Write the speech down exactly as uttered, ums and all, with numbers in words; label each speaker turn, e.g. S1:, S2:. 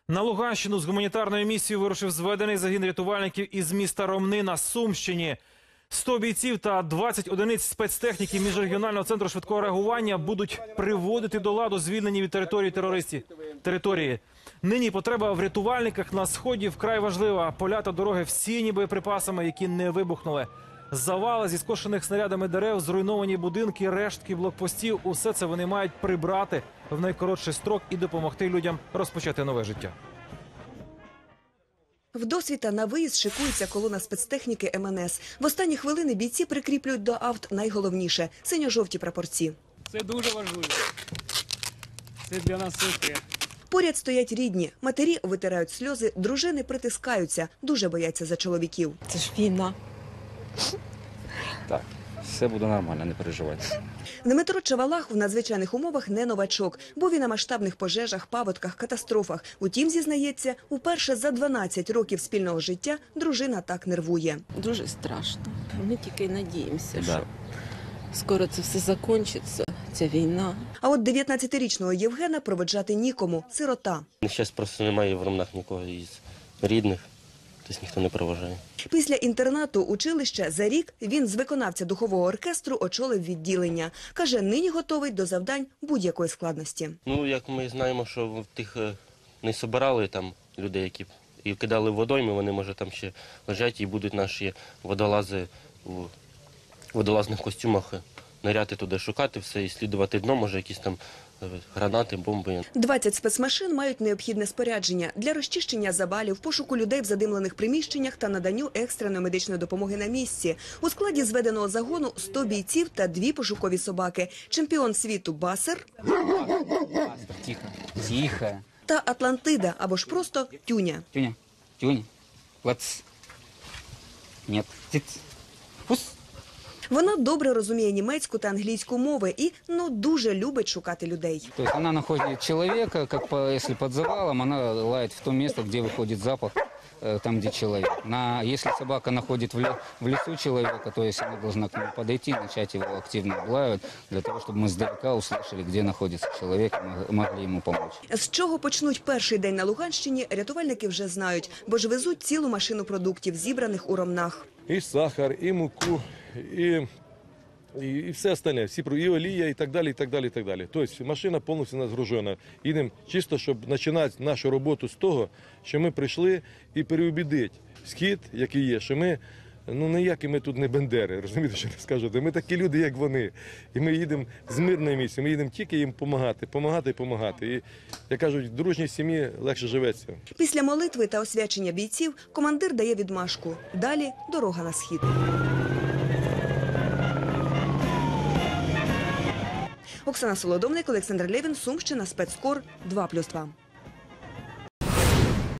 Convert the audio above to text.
S1: На Луганщину з гуманітарною місією вирушив зведений загін рятувальників із міста Ромни на Сумщині. сто бійців та двадцять одиниць спецтехніки міжрегіонального центру швидкого реагування будуть приводити до ладу звільнені від території терористів території. Нині потреба в рятувальниках на сході вкрай важлива. Поля та дороги всіяні боєприпасами, які не вибухнули. Завали зі скошених снарядами дерев, зруйновані будинки, рештки блокпостів – усе це вони мають прибрати в найкоротший строк і допомогти людям розпочати нове життя.
S2: Вдосвіта на виїзд шикується колона спецтехніки ем ен ес. В останні хвилини бійці прикріплюють до авт найголовніше – синьо-жовті прапорці.
S3: Це дуже важливо. Це для нас все.
S2: Поряд стоять рідні. Матері витирають сльози, дружини притискаються, дуже бояться за чоловіків.
S4: Це ж війна.
S5: Так, все буде нормально, не переживайте.
S2: Дмитро Чавалах в надзвичайних умовах не новачок. Був і на масштабних пожежах, паводках, катастрофах. Утім, зізнається, уперше за дванадцять років спільного життя дружина так нервує.
S4: Дуже страшно. Ми тільки надіємося,
S5: Да.
S4: що скоро це все закінчиться, ця війна.
S2: А от дев'ятнадцятирічного Євгена проводжати нікому – сирота.
S6: Зараз просто немає в Ромнах нікого із рідних, тобто ніхто не проважає.
S2: Після інтернату училища за рік він з виконавця духового оркестру очолив відділення. Каже, нині готовий до завдань будь-якої складності.
S6: Ну, як ми знаємо, що в тих е, не собирали там людей, які і кидали в водойми, вони, може, там ще лежать і будуть наші водолази у водолазних костюмах ниряти туди, шукати все і слідувати дно, може, якісь там е, гранати, бомби.
S2: двадцять спецмашин мають необхідне спорядження для розчищення завалів, пошуку людей в задимлених приміщеннях та наданню екстреної медичної допомоги на місці. У складі зведеного загону сто бійців та дві пошукові собаки. Чемпіон світу Басер
S7: Тихо, тихо.
S2: та Атлантида, або ж просто Тюня.
S7: Тюня, Тюня, лац. Нет, тиц. Пус.
S2: Вона добре розуміє німецьку та англійську мови і, ну, дуже любить шукати людей.
S7: То есть она находит человека, как по, если под завалом, она лает в то место, где выходит запах, э, там, где человек. На, если собака находит в, ле, в лесу человека, то есть она должна к нему подойти, начать его активно облаивать, для того, чтобы мы сдалека услышали, где находится человек, и мог- могли ему помочь.
S2: З чого почнуть перший день на Луганщині, рятувальники вже знають, бо ж везуть цілу машину продуктів, зібраних у Ромнах.
S8: І сахар, і муку, і, і, і все остальне, всі, про- і олія, і так далі, і так далі, і так далі. Тобто машина повністю нагружена. Їдемо чисто, щоб починати нашу роботу з того, що ми прийшли і переубідити схід, який є, що ми, ну ніякі ми тут не бендери, розумієте, що я скажу? Ми такі люди, як вони. І ми їдемо з мирної місії, ми їдемо тільки їм допомагати, допомагати і допомагати. І, як кажуть, в дружній сім'ї легше живеться.
S2: Після молитви та освячення бійців командир дає відмашку. Далі дорога на схід. Оксана Солодовник, Олександр Левін, Сумщина, Спецкор, два плюс два.